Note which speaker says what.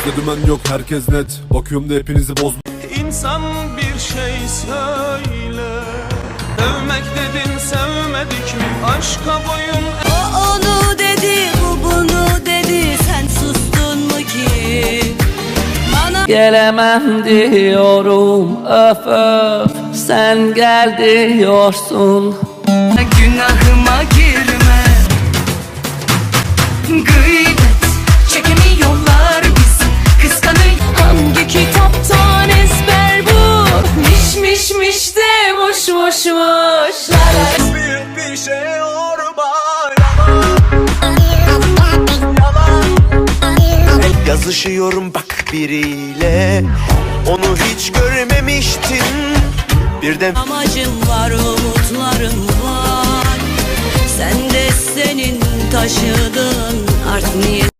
Speaker 1: Bizde dümen yok, herkes net. Bakıyorum da hepinizi bozma.
Speaker 2: İnsan bir şey söyle. Dövmek dedin, sevmedik mi? Aşka boyun.
Speaker 3: O onu dedi, bu bunu dedi. Sen sustun mu ki? Bana
Speaker 4: Gelemem diyorum, öf öf. Sen gel diyorsun.
Speaker 3: günahıma girme. Gıybet çekemiyorlar bizi. Kıskanıyor. Hangi kitaptan ezber bu? Miş miş miş de boş boş boş.
Speaker 2: Büyük bir şey orba.
Speaker 5: Yazışıyorum bak biriyle, onu hiç görmemiştim. Birden
Speaker 3: Amacım var, umutlarım var. Sen de senin taşıdığın art niyet.